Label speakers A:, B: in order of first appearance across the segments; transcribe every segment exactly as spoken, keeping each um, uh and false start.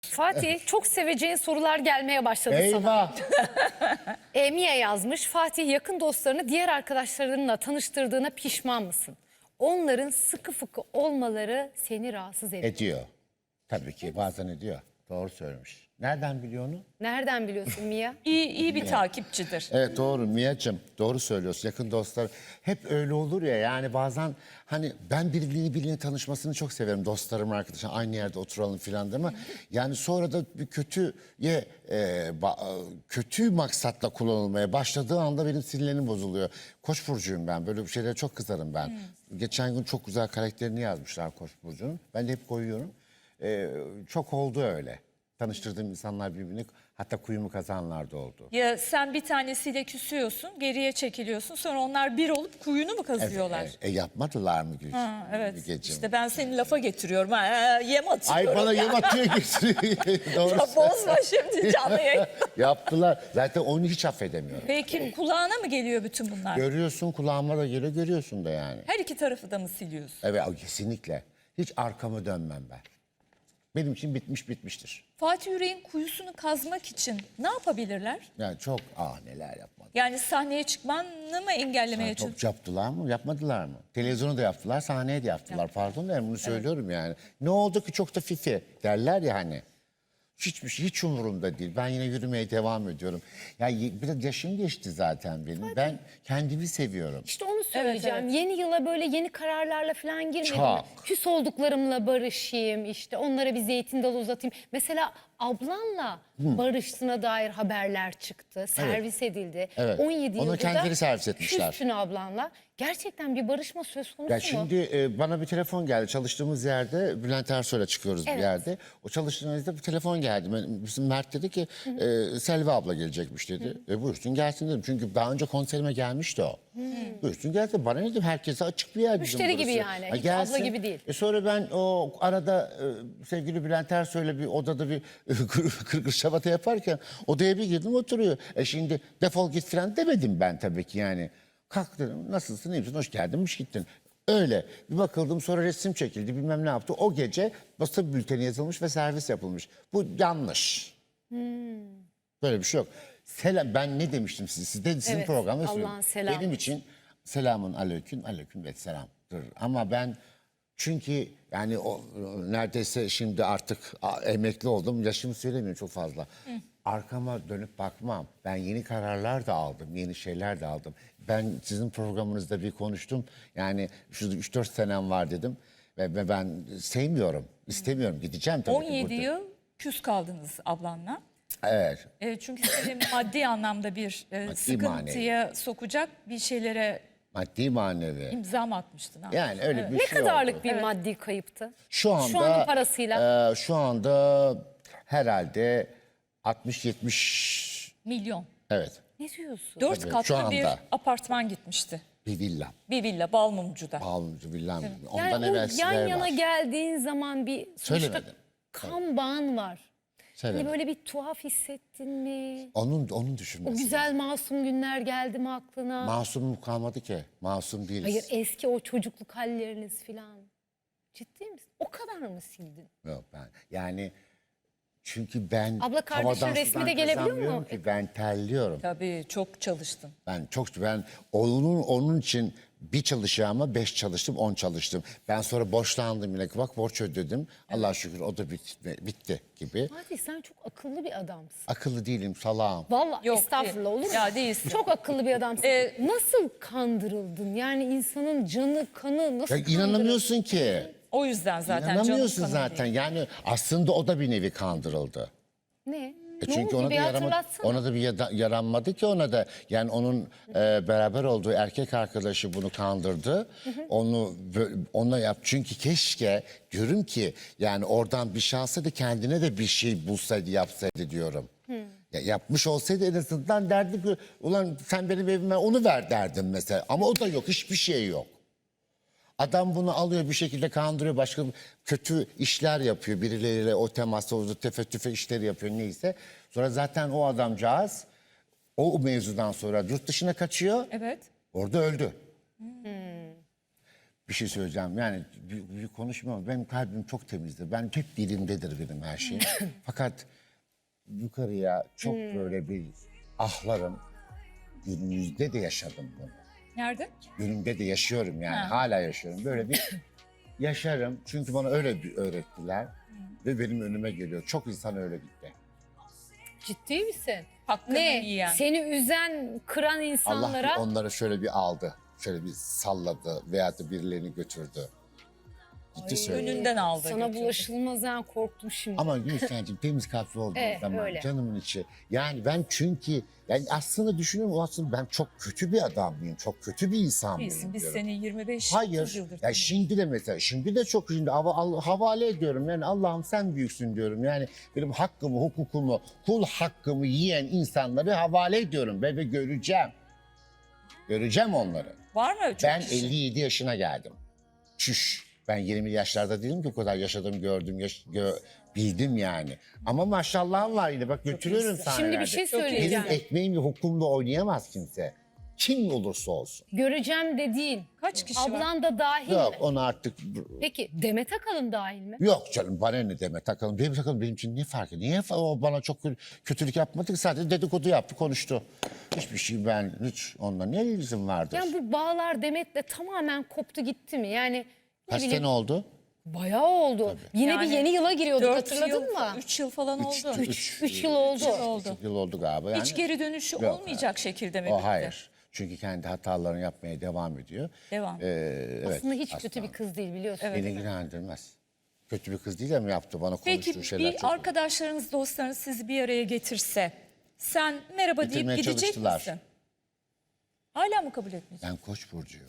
A: Fatih, çok seveceğin sorular gelmeye başladı sana.
B: Eyvah.
A: Emiye yazmış. Fatih, yakın dostlarını diğer arkadaşlarınla tanıştırdığına pişman mısın? Onların sıkı fıkı olmaları seni rahatsız ediyor.
B: Ediyor. Tabii ki bazen ediyor. Doğru söylemiş. Nereden biliyor onu?
A: Nereden biliyorsun Mia?
C: İyi, iyi bir takipçidir.
B: Evet doğru Mia'cığım, doğru söylüyorsun. Yakın dostlar hep öyle olur ya, yani bazen hani ben birbirine birbirine tanışmasını çok severim. Dostlarım, arkadaşlarım, aynı yerde oturalım filan değil mi? Yani sonra da bir kötüye e, ba- kötü maksatla kullanılmaya başladığı anda benim sinirlerim bozuluyor. Koç burcuyum ben, böyle bir şeylere çok kızarım ben. Geçen gün çok güzel karakterini yazmışlar Koç burcunun. Ben de hep koyuyorum. E, çok oldu öyle. Tanıştırdığım insanlar birbirini, hatta kuyumu kazanlar da oldu.
C: Ya sen bir tanesiyle küsüyorsun, geriye çekiliyorsun. Sonra onlar bir olup kuyunu mu kazıyorlar?
B: E, e, yapmadılar mı Gülçin?
C: Ha, evet.
B: Mügeciğim?
C: İşte ben seni lafa getiriyorum. Ha, yem atıyorum.
B: Ay bana
C: ya.
B: yem atıyor getiriyor. Doğru.
C: Ya bozma şimdi canlı yayın.
B: Yaptılar. Zaten onu hiç affedemiyorum.
C: Peki kulağına mı geliyor bütün bunlar?
B: Görüyorsun, kulağıma da geliyor, görüyorsun da yani.
C: Her iki tarafı da mı siliyorsun?
B: Evet, kesinlikle. Hiç arkamı dönmem ben. Benim için bitmiş bitmiştir.
C: Fatih Yüreğin kuyusunu kazmak için ne yapabilirler?
B: Yani çok, ah neler yapmadı.
C: Yani sahneye çıkmanı mı engellemeye çalışıyorsun?
B: Çok yaptılar mı? Yapmadılar mı? Televizyonu da yaptılar, sahneye de yaptılar. Pardon da yani bunu söylüyorum yani. Ne oldu ki çok da fifi derler ya hani. Hiçbir şey, hiç umurumda değil. Ben yine yürümeye devam ediyorum. Ya ye- biraz yaşım geçti zaten benim. Ben kendimi seviyorum.
A: İşte onu söyleyeceğim.
C: Evet, evet.
A: Yeni yıla böyle yeni kararlarla falan girmedim.
B: Çok.
A: Küs olduklarımla barışayım, işte onlara bir zeytin dalı uzatayım. Mesela ablanla barıştığına dair haberler çıktı. Servis edildi.
B: Evet.
A: on yedi
B: Onu
A: yıldır
B: kendileri
A: da
B: servis etmişler.
A: küstün ablanla. Gerçekten bir barışma söz konusu
B: Ya
A: mu?
B: şimdi e, bana bir telefon geldi. Çalıştığımız yerde Bülent Ersoy'la çıkıyoruz
A: Evet.
B: bir yerde. O çalıştığımızda bir telefon geldi. Ben- Bizim Mert dedi ki e, Selvi abla gelecekmiş dedi. E, buyursun gelsin dedim. Çünkü daha önce konserime gelmişti o. Buyursun gelsin. Bana ne dedim, herkese açık bir yer bizim
A: Müşteri gibi
B: burası.
A: yani,
B: Ha,
A: hiç abla gibi değil.
B: E, sonra ben o arada e, sevgili Bülent Ersoy'la bir odada bir kırgır şabata yaparken odaya bir girdim, oturuyor. E şimdi defol git falan demedim ben tabii ki yani. Kalk dedim, nasılsın, iyi misin, hoş geldinmiş gittin. Öyle bir bakıldım, sonra resim çekildi, bilmem ne yaptı. O gece basın bülteni yazılmış ve servis yapılmış. Bu yanlış. Böyle bir şey yok. Selam, ben ne demiştim size? Siz de sizin
A: Evet,
B: programda
A: Allah'ın
B: söylüyorum.
A: selamı.
B: Benim için selamun aleyküm, aleyküm ve selamdır. Ama ben çünkü yani o neredeyse şimdi artık a, emekli oldum. Yaşımı söylemiyorum çok fazla. Arkama dönüp bakmam. Ben yeni kararlar da aldım, yeni şeyler de aldım. Ben sizin programınızda bir konuştum. Yani şu üç dört senem var dedim. Ve, ve ben sevmiyorum, istemiyorum. Gideceğim tabii
C: on
B: ki
C: yedi
B: burada.
C: yıl küs kaldınız ablanla.
B: Evet.
C: E, çünkü seni maddi anlamda bir e,
B: Maddi,
C: sıkıntıya sokacak bir şeylere
B: Maddi manevi.
C: imza mı atmıştın? Ha?
B: Yani öyle bir
A: Ne
B: şey
A: kadarlık
B: oldu.
A: bir maddi kayıptı?
B: Şu anda
A: Şu anın parasıyla.
B: e, şu anda herhalde altmış yetmiş,
C: Milyon.
B: evet,
A: Ne diyorsun?
C: Dört
B: Tabii, şu
C: katlı
B: anda.
C: bir apartman gitmişti.
B: bir villa.
C: Bir villa Balmumcu'da.
B: Pahalıcı villam. Ondan
A: Yani o
B: evvel
A: yan
B: sizler
A: yana
B: var.
A: geldiğin zaman bir sonuçta
B: Söylemedim.
A: kan bağın var. Hani
B: Söylemedim.
A: böyle bir tuhaf hissettin mi?
B: Onun onun
A: O
B: düşünmesi.
A: güzel masum günler geldi mi aklına?
B: Masum kalmadı ki. Masum değiliz.
A: Hayır, eski o çocukluk halleriniz filan. Ciddi misin? O kadar mı sildin?
B: Yok ben. Yani çünkü ben
A: Abla kardeşin
B: havadan
A: resmi
B: sudan
A: de gelebiliyor
B: kazanmıyorum
A: mu?
B: ki, ben terliyorum.
C: Tabii çok çalıştın.
B: Ben çok ben onun onun için bir çalışacağıma beş çalıştım, on çalıştım. Ben sonra borçlandım yine. Bak borç ödedim. Allah'a şükür o da bitti, bitti gibi.
A: Fatih, sen çok akıllı bir adamsın.
B: Akıllı değilim, salağım.
A: Vallahi
C: Yok,
A: estağfurullah, olur mu?
C: ya değilsin.
A: Çok akıllı bir adamsın.
C: Ee,
A: Nasıl kandırıldın? Yani insanın canı, kanı nasıl
B: Ya
A: kandırıldın?
B: inanamıyorsun ki.
C: O yüzden zaten canım
B: İnanamıyorsun
C: kanım
B: zaten.
C: değil.
B: Yani aslında o da bir nevi kandırıldı.
A: Ne?
B: E
A: ne
B: çünkü
A: oldu?
B: ona da
A: Bir
B: yaramadı,
A: hatırlatsana.
B: ona da bir yada- yaranmadı ki ona da. Yani onun e, beraber olduğu erkek arkadaşı bunu kandırdı. Onu bö- ona yap. Çünkü keşke diyorum ki yani oradan bir şey alsaydı, kendine de bir şey bulsaydı, yapsaydı diyorum. Ya yapmış olsaydı en azından derdi ki ulan sen benim evime onu ver derdim mesela. Ama o da yok, hiçbir şey yok. Adam bunu alıyor, bir şekilde kandırıyor, başka kötü işler yapıyor. Birileriyle o temasla, o tefe tüfe işleri yapıyor neyse. Sonra zaten o adamcağız o mevzudan sonra yurt dışına kaçıyor.
C: Evet.
B: Orada öldü. Bir şey söyleyeceğim. Yani büyük, büyük konuşmam. Benim kalbim çok temizdir. Ben hep dilimdedir benim her şeyim. Fakat yukarıya çok böyle bir ahlarım. Günümüzde de yaşadım bunu.
C: Nerede?
B: Günümde de yaşıyorum yani.
C: Ha.
B: Hala yaşıyorum. Böyle bir yaşarım. Çünkü bana öyle bir öğrettiler. Ve benim önüme geliyor. Çok insan öyle gitti.
A: Ciddi misin?
C: Hakkını
A: Ne?
C: yiyen.
A: Seni üzen, kıran
B: Allah
A: insanlara
B: onları şöyle bir aldı. Şöyle bir salladı veya da birilerini götürdü. Ciddi söylüyorum.
C: Önünden aldı.
A: sana
C: götürdü.
A: bulaşılmaz ha, korktum şimdi.
B: Ama Gülşen'cim temiz kalpli olduğum
A: Evet,
B: zaman
A: öyle.
B: canımın içi. Yani ben çünkü yani aslında düşünüyorum o aslında ben çok kötü bir adam mıyım? Çok kötü bir insan mıyım?
C: Biz, biz
B: diyorum.
C: seni yirmi beş
B: Hayır.
C: yıldır
B: Ya
C: tanıyoruz.
B: şimdi de mesela şimdi de çok şimdi hava- al- havale ediyorum. Yani Allah'ım sen büyüksün diyorum. Yani benim hakkımı, hukukumu, kul hakkımı yiyen insanları havale ediyorum ve, ve göreceğim. Göreceğim onları.
C: Var mı çok
B: Ben
C: kişi?
B: elli yedi yaşına geldim. Çüş. Ben yirmi yaşlarda değilim ki o kadar yaşadım, gördüm, yaş- gö- bildim yani. Ama maşallah var yine bak götürüyorum
C: iyisin.
B: sahnelerde.
A: Şimdi bir şey
C: Çok iyi.
A: söyleyeceğim.
B: Benim ekmeğimle hukumla oynayamaz kimse. Kim olursa olsun.
A: Göreceğim dediğin.
C: Kaç kişi var?
A: Ablan da dahil
B: Yok
A: mi?
B: onu artık...
A: Peki Demet Akalın dahil mi?
B: Yok canım bana ne deme takalım. Benim takalım benim için ne farkı? Niye fa- o bana çok kö- kötülük yapmadı ki sadece dedikodu yaptı konuştu. Hiçbir şey ben hiç onunla ne ilgim vardır?
A: Yani bu bağlar Demet'le tamamen koptu gitti mi? Yani ne
B: Kaç
A: bileyim,
B: sene oldu?
A: bayağı oldu. Yine
C: Yani
A: bir yeni yıla giriyorduk
C: Dört
A: hatırladın
C: yıl,
A: mı?
C: Üç yıl falan oldu.
A: Üç, üç yıl oldu.
C: oldu.
B: Üç yıl oldu galiba. Yani.
C: Hiç geri dönüşü
B: Yok,
C: olmayacak şekilde mi
B: O
C: bitti?
B: hayır. Çünkü kendi hatalarını yapmaya devam ediyor.
C: Devam.
B: Ee, evet,
A: Aslında hiç kötü bir kız değil biliyorsun.
C: Evet.
B: Beni ilgilendirmez. Kötü bir kız değil ama yaptı bana konuştuğu
C: Peki
B: şeyler
C: bir
B: çok.
C: arkadaşlarınız, dostlarınız sizi bir araya getirse sen merhaba deyip
B: Getirmeye
C: gidecek
B: çalıştılar.
C: misin? Hala mı kabul etmeyeceksin?
B: Ben koç burcuyum.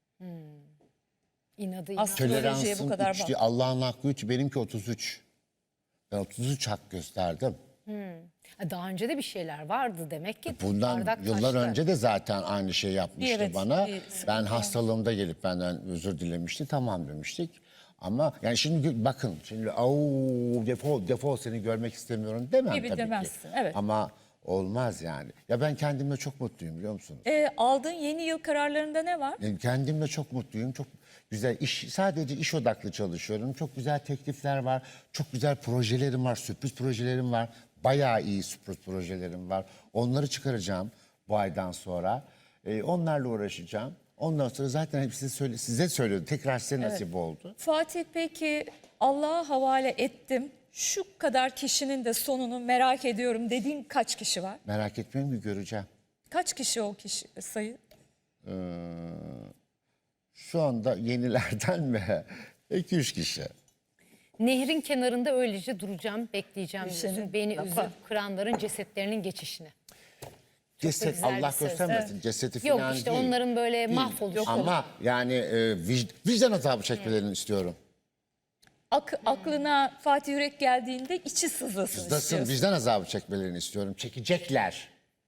A: İnadı
C: Aslında-
A: inadı.
C: Astrolojiye bu
B: Toleransım
C: kadar
B: üç
C: bak.
B: değil, Allah'ın hakkı üç, benimki otuz üç. Ben otuz üç hak gösterdim.
A: Ha, Daha önce de bir şeyler vardı demek ki.
B: Bundan
A: bardak
B: yıllar
A: taştı.
B: önce de zaten aynı şey yapmıştı
C: Evet,
B: bana.
C: bir sıkıntı
B: Ben
C: var.
B: hastalığımda gelip benden özür dilemişti. Tamam demiştik. Ama yani şimdi gö- bakın şimdi au defol defol seni görmek istemiyorum demem
C: Gibi
B: tabii
C: demezsin,
B: ki.
C: evet.
B: Ama olmaz yani. Ya ben kendimle çok mutluyum biliyor musunuz?
C: Ee, aldığın yeni yıl kararlarında ne var?
B: Yani kendimle çok mutluyum. Çok güzel iş, sadece iş odaklı çalışıyorum. Çok güzel teklifler var. Çok güzel projelerim var. Sürpriz projelerim var. Bayağı iyi sürpriz projelerim var. Onları çıkaracağım bu aydan sonra. Ee, onlarla uğraşacağım. Ondan sonra zaten hepsi söyle, size söylüyorum. Tekrar size nasip oldu.
C: Fatih peki Allah'a havale ettim. Şu kadar kişinin de sonunu merak ediyorum dediğin kaç kişi var?
B: Merak etmeyin ki göreceğim.
C: Kaç kişi o kişi sayı?
B: Şu anda yenilerden mi? iki üç kişi.
A: Nehrin kenarında öylece duracağım, bekleyeceğim
C: Senin
A: diyorsun. Beni
C: lafa.
A: üzüp kıranların cesetlerinin geçişini.
B: Ceset
A: güzel bir
B: Allah
A: söz.
B: göstermesin. Cesedi
A: Yok
B: falan
A: işte
B: değil.
A: onların böyle
B: Değil.
A: mahvoluşu.
B: Ama yani e, vic- vicdan azabı çekmelerini istiyorum.
C: Ak, aklına Fatih Yürek geldiğinde içi sızlasın
B: Nasıl
C: istiyorsun.
B: vicdan azabı çekmelerini istiyorum. Çekecekler.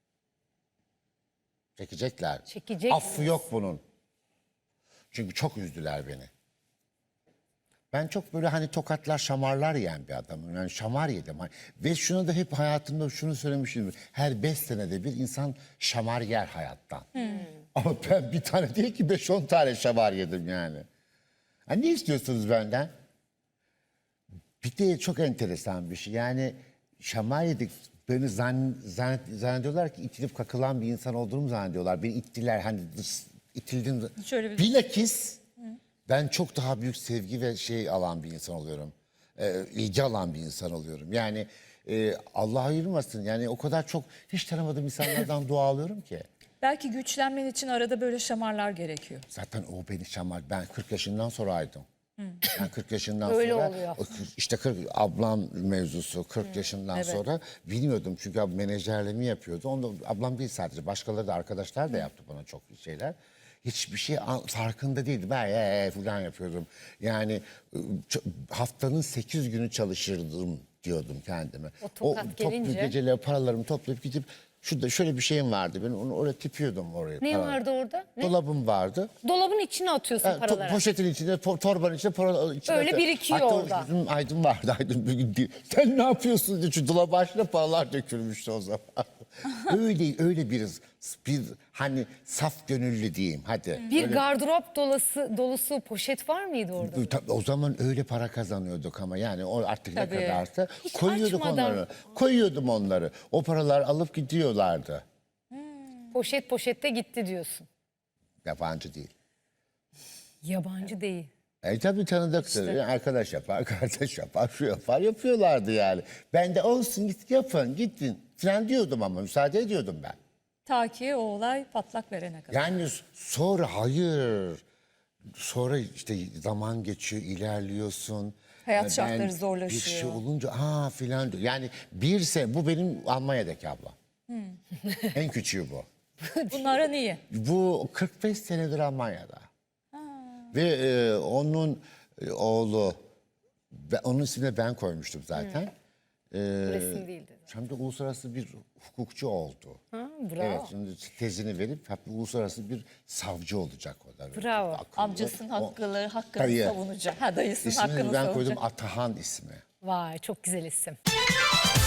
B: Çekecekler.
A: Çekecek
B: Affı yok bunun. Çünkü çok üzdüler beni. Ben çok böyle hani tokatlar, şamarlar yiyen bir adamım. Yani şamar yedim. Hani- Ve şunu da hep hayatımda şunu söylemişim. Her beş senede bir insan şamar yer hayattan. Ama ben bir tane değil ki beş on tane şamar yedim yani. Ha, ne istiyorsunuz benden? Bir de çok enteresan bir şey. Yani şamar yedik. Beni zan, zan, zannediyorlar ki itilip kakılan bir insan olduğumu zannediyorlar. Beni ittiler hani dış, itildim.
C: Şöyle bir-
B: Bilakis ben çok daha büyük sevgi ve şey alan bir insan oluyorum. Ee, ilgi alan bir insan oluyorum. Yani e, Allah ayırmasın. Yani o kadar çok hiç tanımadığım insanlardan dua alıyorum ki.
C: Belki güçlenmen için arada böyle şamarlar gerekiyor.
B: Zaten o beni şamar. Ben kırk yaşından sonraydım. Ben kırk yaşından
A: Öyle
B: sonra
A: oluyor.
B: o kırk işte kırk ablam mevzusu kırk yaşından
C: evet.
B: sonra bilmiyordum çünkü abi menajerliğimi yapıyordu. Onu da- ablam değil sadece başkaları da arkadaşlar da yaptı bana çok şeyler. Hiçbir şey an- farkında değildi. Ben ee, falan yapıyordum. Yani ı, ç- haftanın sekiz günü çalışırdım diyordum kendime.
A: O tokat
B: toplu
A: gelince-
B: geceleri paralarımı toplayıp gidip Şurada şöyle bir şeyim vardı. Ben onu oraya tipiyordum oraya.
A: Ne
B: para-
A: vardı orada? Ne?
B: Dolabım vardı.
A: Dolabın içine atıyorsun
B: Ha, to-
A: paraları.
B: poşetin içinde, to- torbanın içinde, para, içinde.
A: Öyle birikiyor
B: Hatta
A: orada.
B: bizim Aydın vardı. Aydın bir gün diyor, sen ne yapıyorsun diye. Şu dolabın başına paralar dökülmüştü o zaman. öyle öyle bir, bir hani saf gönüllü diyeyim hadi.
A: Bir gardırop dolusu, dolusu poşet var mıydı orada?
B: Tabii o zaman öyle para kazanıyorduk ama yani o artık
C: Tabii.
B: ne kadarsa
A: Hiç
B: koyuyorduk
A: açmadan.
B: onları. Koyuyordum onları. O paralar alıp gidiyorlardı.
A: Poşet poşette gitti diyorsun.
B: Yabancı değil.
A: Yabancı değil.
B: E tabii tanıdıktır. Yani arkadaş yapar, kardeş yapar, şu yapar, yapıyorlardı yani. Ben de olsun git yapın, gittin falan diyordum ama müsaade ediyordum ben.
C: Ta ki o olay patlak verene kadar.
B: Yani sonra hayır. Sonra işte zaman geçiyor, ilerliyorsun.
C: Hayat
B: Ben
C: şartları
B: Bir
C: zorlaşıyor.
B: şey olunca aa filan diyor. Yani bir sene, bu benim Almanya'daki ablam.
C: Hmm.
B: En küçüğü bu.
C: Bunlara niye?
B: Bu kırk beş senedir Almanya'da. Ve e, onun e, oğlu, ben- onun ismini ben koymuştum zaten. E,
A: Resim değildi.
B: Hem de uluslararası bir hukukçu oldu.
A: Ha, bravo.
B: Evet, şimdi tezini verip hep uluslararası bir savcı olacak o da.
A: Bravo.
B: Akıllı.
C: Amcasının
B: O-
C: hakkını, hakkını
B: Dayı.
C: savunacak. Ha dayısının
B: İsmini
C: hakkını
B: ben
C: savunacak.
B: koydum Atahan ismi.
A: Vay çok güzel isim.